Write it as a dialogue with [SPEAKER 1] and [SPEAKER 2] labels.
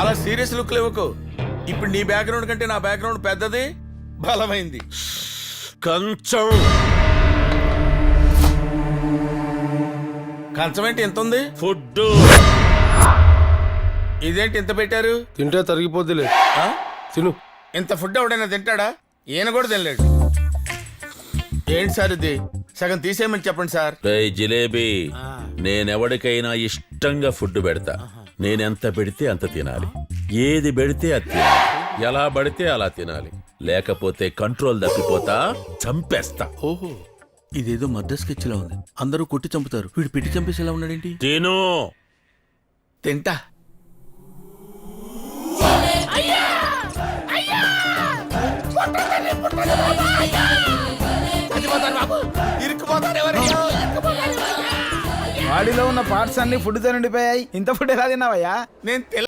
[SPEAKER 1] అలా serious look లేవకు. ఇప్పుడు నీ బ్యాక్గ్రౌండ్ కంటే నా బ్యాక్గ్రౌండ్ పెద్దది, బలమైంది.
[SPEAKER 2] కంచం
[SPEAKER 1] కంచం ఏంటి ఎంత ఉంది?
[SPEAKER 2] ఫుడ్.
[SPEAKER 1] ఇదేంటి ఇంత పెట్టారు?
[SPEAKER 3] తింటే తరిగిపోద్దిలే,
[SPEAKER 1] ఆ?
[SPEAKER 3] తిను.
[SPEAKER 1] ఇంత ఫుడ్ ఎవడైనా తింటాడా? ఈయన కూడా తినలేడు. ఏంటి సార్ ఇది? సగం తీసేయమని చెప్పండి సార్.
[SPEAKER 2] రేయ్ జిలేబీ, నేనెవడికైనా ఇష్టంగా ఫుడ్ పెడతా. నేనెంత పెడితే అంత తినాలి, ఏది పెడితే అది తినాలి, ఎలా పడితే అలా తినాలి. లేకపోతే కంట్రోల్ తప్పిపోతా, చంపేస్తా.
[SPEAKER 1] ఓహో, ఇదేదో మద్ర స్కెచ్ లా ఉంది. అందరూ కొట్టి చంపుతారు, వీడు పెట్టి చంపేసేలా ఉన్నాడేంటి?
[SPEAKER 2] తిను.
[SPEAKER 1] తింటా.
[SPEAKER 4] బాడీలో ఉన్న పార్ట్స్ అన్ని ఫుడ్ తో నిండిపోయాయి. ఇంత ఫుడ్ ఎలా తిన్నావయ్యా?
[SPEAKER 1] నేను